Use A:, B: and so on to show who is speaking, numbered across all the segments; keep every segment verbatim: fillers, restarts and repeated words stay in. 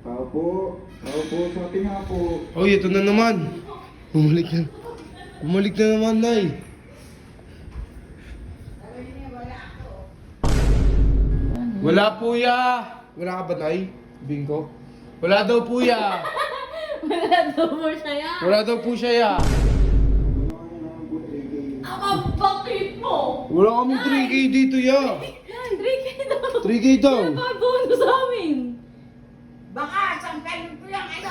A: Tao po. Tao po. Sabi nga po.
B: Oy, ito na naman. Bumalik na. Bumalik na naman, Nay. Wala po ya. Wala ka ba, Nay? Bingo. Wala daw po ya.
C: Wala daw mo siya yan.
B: Wala daw po siya ya.
C: Ang bakit mo?
B: Wala kami three K dito ya.
C: three K daw.
B: three K daw.
C: Ano ba bonus sa amin?
D: Baka, sangkalin ko yung ano.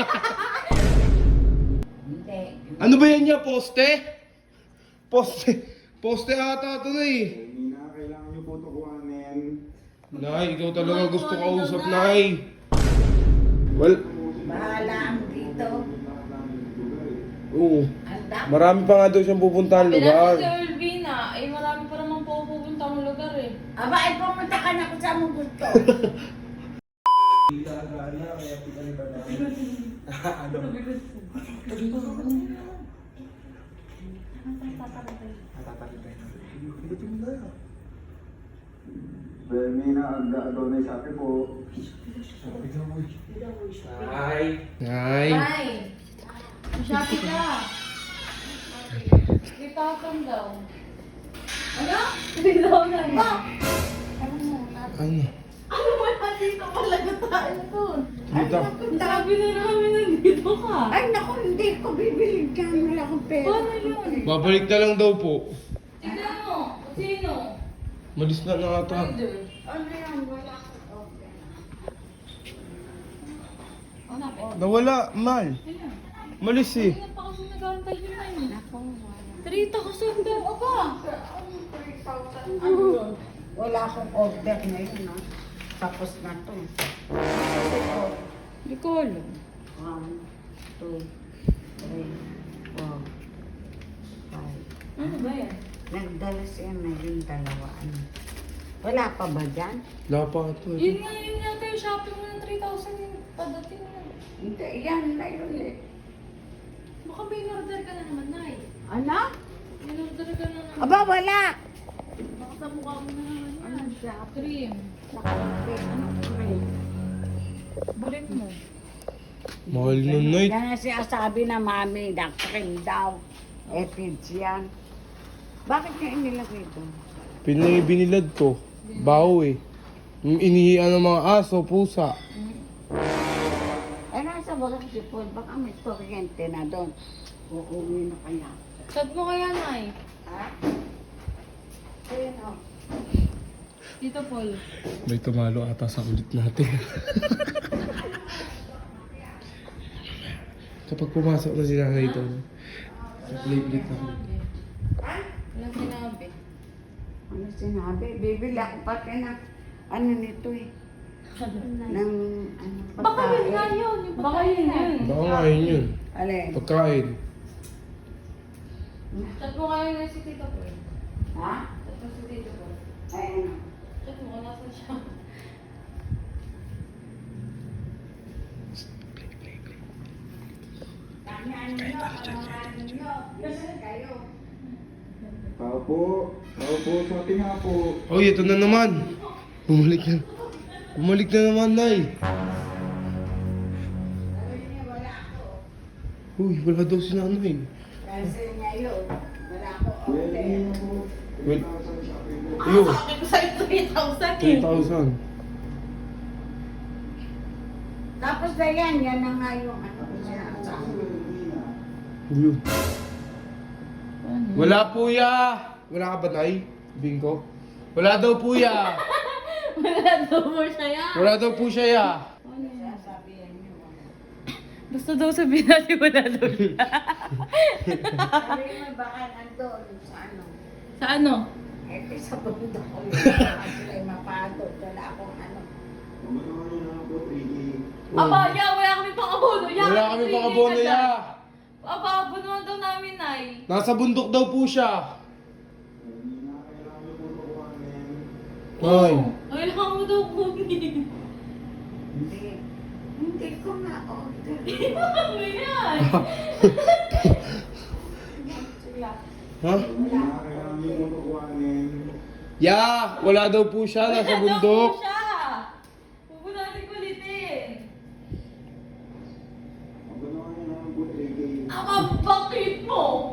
D: Hindi.
B: Ano ba yan niya? Poste? Poste. Poste ata ito na eh.
A: Hindi na. Kailangan niyo po ito kuhanin.
B: Nay, ikaw talaga gusto kausap, Nay. Well,
D: Bahala ang dito.
B: oo.
D: Anda.
B: Marami pa nga daw siyang pupuntahan
C: Sabi
B: lugar.
C: natin si Elvina, eh marami pa naman po pupunta ang lugar eh.
D: Aba, ay pumunta ka na kung saan mo gusto.
A: Well, may naaga daw na sabi po.
B: Nay. Nay.
C: Ay! Shopee ka! three thousand daw. Ano? three thousand. Ba?
B: Ano?
C: Ano mo dito talaga tayo doon?
B: Dito.
C: Sabi na namin nandito ka.
D: Ay, naku, hindi ko bibili dyan. Wala akong pera.
C: Paano yun?
B: Babalik na lang daw po.
C: Tignan mo. Sino?
B: Malis na na ata.
C: Idol.
D: Ano yan? Wala akong pera.
C: Ano po?
B: Nawala, Mal.
C: Ayun.
B: Malis eh.
C: Ayun pa kasi nag-aantay yun na yun.
D: Naku, wala.
C: three thousand daw. Aba!
D: Ano yun? Wala akong order ngayon, no? Tapos na to.
C: Hindi ko alam.
D: One, two, three, four, five.
C: Ano ba yan?
D: Nagdala siya na yung dalawa. Ano? Wala pa ba dyan?
B: Wala pa ito.
C: Yun nga yun yata yung shopping mo ng three thousand yung padating na.
D: Hindi, yan na yun eh.
C: Baka may in-order ka na naman, Nay.
D: Ano?
C: In-order ka na naman.
D: Aba, wala!
C: Baka sa mukha mo na naman yan.
D: Ano siya?
C: Cream.
D: Ano?
C: Balik mo.
B: Mahal nun, Nay.
D: Yan ang sinasabi na mami, daktakin daw. Epids yan. Bakit niya inilagay ito?
B: Pinang binilad ko. Baho eh. Yung inihian ng mga aso, pusa.
D: Eh, nasa walang sipol. Baka may kuryente na doon. Uuwi na kaya.
C: Chat mo kaya, Nay.
D: Ha? Ayun o.
C: Dito, Paul.
B: May tumalo ata sa kulit natin. Kapag pumasok na si nanay ito, plate-plate na ako.
C: Walang sinabi.
D: Ano sinabi? Bibili ako pati na ano nito eh. Ng ano
C: Baka yun nga yun. Yung Baka yun yun.
B: Baka nga yun yun.
D: Alin?
B: Pagkain.
C: Chat mo kaya nga si Tito Paul.
D: Ha?
C: Chat mo si Tito Paul.
D: Ay ano?
C: Chat mo kung nasan siya.
A: Tao po. Tao po. Sabi nga po.
B: Oy, ito na naman. Bumalik na. Bumalik na naman, Nay. Uy, wala daw si nanay.
D: Kasi ngayon, wala ako
A: Well,
D: order.
A: hindi na po.
B: Well,
A: Sabi po.
B: iyo,
C: Sabi ko sa'yo three thousand
B: three
C: eh.
B: thousand.
D: Tapos na yan, yan na nga yung ano ko sinasabi.
B: Yun. Wala po ya. Wala ka ba, Nay? Bingo. Wala daw po ya.
C: Wala daw mo siya yan.
B: Wala daw po siya ya.
D: Sasabihin niyo.
C: Basta daw sabihin natin wala daw siya.
D: Sabi mo baka nandun sa ano.
C: Sa ano?
D: Eh, sa bundok ko yun. Baka sila'y mapagod. Wala akong ano.
A: Mamagawa niyo na po. three K.
C: Aba, ya, wala kami pang abono. Ya,
B: Wala kami pang abono ya.
C: Aba, abono daw namin, Nay.
B: Nasa bundok daw po siya.
A: Hindi na. Kailangan niyo po ito kuhanin.
B: Ay.
C: Kailangan mo daw kunin.
D: Hindi. Hindi ko na order.
C: Ano yan?
B: Ha?
A: Hindi na. Kailangan niyo po ito kuhanin.
B: Ya, wala daw po siya. Nasa
C: Wala daw
B: bundok.
C: po siya. Huwag mo natin kulitin.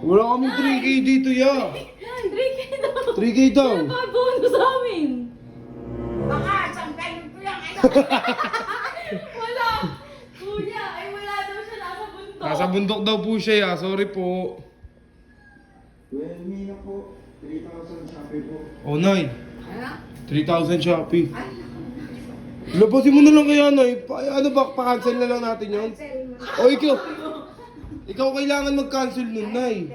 B: Wala kami three K dito, ya.
C: three K daw.
B: three K daw.
C: Ano ba bonus sa amin?
D: Baka, sangkayin ko yung ano.
C: Wala. Kuya, ay wala daw siya nasa bundok.
B: Nasa bundok daw po siya, ya. Sorry po.
A: Well, me na po. three thousand Shopee po.
B: Oh, Nay.
D: Ano?
B: three thousand Shopee.
D: Ay,
B: Labasin mo na lang kaya, Nay. Pa, ano ba, pa-cancel na lang natin yun?
D: cancel mo.
B: O, ikaw. Ikaw kailangan mag-cancel nun, Nay.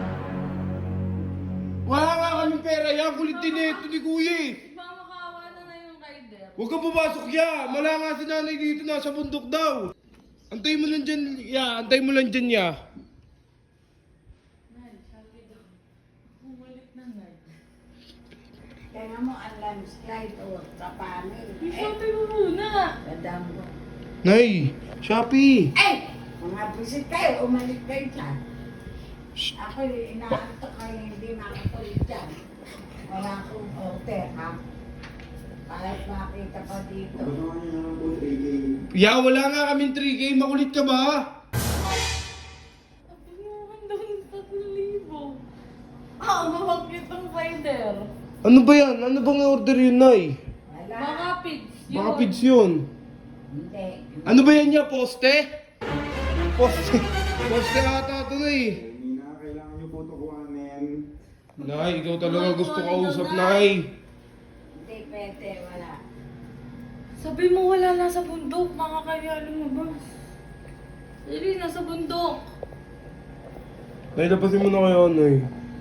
B: Wala nga kami pera, ya. Kulit din ito ni Kuya eh.
C: Mamakawa na na yung rider.
B: Huwag kang pumasok, ya. Wala nga si nanay dito, nasa bundok daw. Antay mo lang dyan, ya. Antay mo lang dyan, ya.
C: Nay, sabi daw. Bumalik na, Nay.
D: Kaya mo ang landslide o kapamil. Eh,
C: Sabi mo muna.
D: dadam ko.
B: Nay, Shopee.
D: Eh! Mga bisit kayo, umalit kayo dyan. Ako inaantok kayo, hindi makatuloy dyan. Wala akong order, ha? Kahit makita pa dito.
A: Abangan niyo na lang po three K.
B: Ya, wala nga kaming three K. Makulit ka ba?
C: Sabi mo, handa ng tatlong libo. Ah, mabagkit ang rider.
B: Ano ba yan? Ano bang order yun, Nay?
D: Wala.
C: Baka pids yun.
B: Baka pids yun.
D: Hindi.
B: Ano ba yan niya? Poste? Poste. Poste ata ito, Nay.
A: Well, me na, kailangan niyo po ito kuhanin.
B: Nay, ikaw talaga gusto kausap, Nay.
D: Hindi pwede, wala.
C: Sabi mo wala nasa bundok, makakaya lumabas. Sabi, nasa bundok.
B: Nay, lapasin mo na kayo, Nay.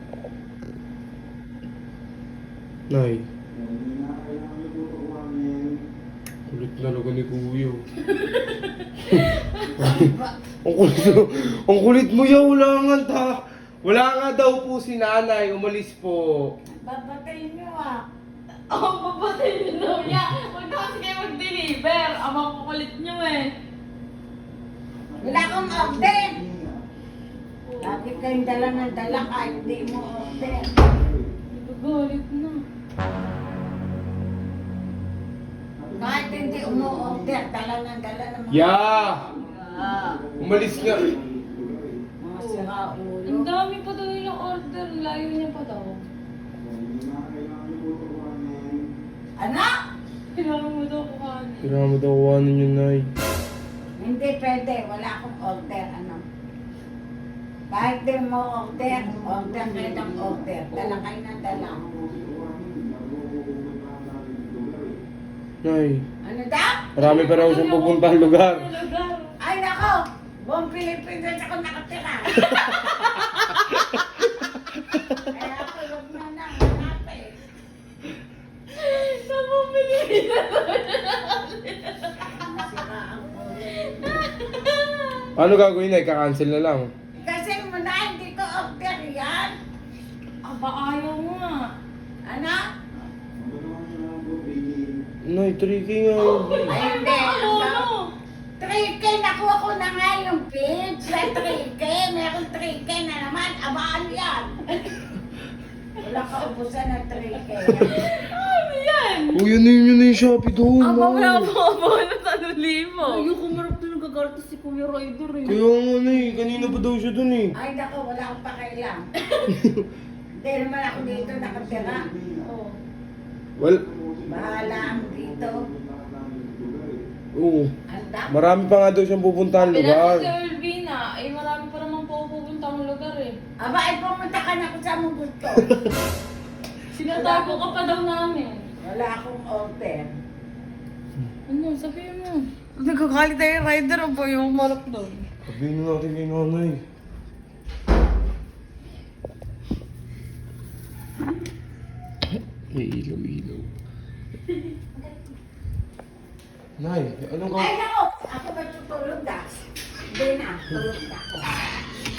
B: Nay.
A: Well, me na, kailangan niyo po ito kuhanin.
B: Kulit talaga ni Kuya. ang kulit mo, ang kulit mo ya, wala nga ta. Wala nga daw po si nanay, umalis po.
D: Babatayin niyo, ah.
C: Oh, papatay niyo daw niya. Huwag na kasi kayo mag-deliver. Ang makukulit niyo eh.
D: Wala akong order. Lagi kayong dala ng dala kahit hindi mo order.
C: Nagagalit na.
D: Kahit hindi umu-order, dala ng dala ng mga...
B: Ya!
D: Ah,
B: Umalis nga.
D: mga sira ulo.
C: Ang dami pa daw yung order. Layo niya pa daw.
A: Well, me na, kailangan niyo po ito kuhanin.
D: Anak!
C: Kailangan mo daw kuhanin.
B: Kailangan mo daw kuhanin yun, Nay.
D: Hindi pwede, wala akong order, ano. Kahit di mo order, order kayo ng order. Dala kayo ng dala.
B: Nay,
D: Ano daw?
B: marami pa raw siyang pupuntang lugar.
C: Ang lugar.
D: Ay nako! Buong Pilipinas ako nakatira. Kaya ako huwag na na, hanapin.
C: Sa bumili na
D: Masira ang ulo.
B: Ano gagawin, Nay? Kakancel na lang.
D: Kasi muna hindi ko order yan.
C: Aba, ayaw nga.
D: Ano?
A: Abangan niyo na lang po three K.
B: Nay, three K nga yun.
D: Ay hindi.
C: Ano, ano?
D: three K nakuha ko na nga yung page. Sa three K, meron three K na naman. Abaan yan. Wala ka ubusan ng three K.
C: Ano yan?
B: Oh, yun na yun, yun na yung Shopee doon.
C: Aba,
B: Nay.
C: wala pa ako na tanong libo. Ayun, kumarap na nagagalit si Kuya Rider eh.
B: Kaya nga, Nay. Kanina pa daw siya doon eh.
D: Ay nako, wala akong pakailan. Hindi naman ako dito nakatira.
C: Oh.
B: Well,
D: Bahala ang dito.
B: oo.
D: Anda.
B: Marami pa nga daw siyang pupuntahan
C: Sabi natin
B: lugar.
C: si Elvina, eh marami pa naman po pupunta ang lugar eh.
D: Aba, ay pumunta ka na kung saan mo gusto.
C: Sinatago ka pa daw namin.
D: Wala akong order.
C: Ano, sabihin mo. Nagkakalit tayo yung rider o ba yung marap doon?
B: Sabihin na natin kay nanay. May ilaw-ilaw. Nay, anong ka...
D: Ay nako, ako ba tutulog na? Hindi na, tulog na ako.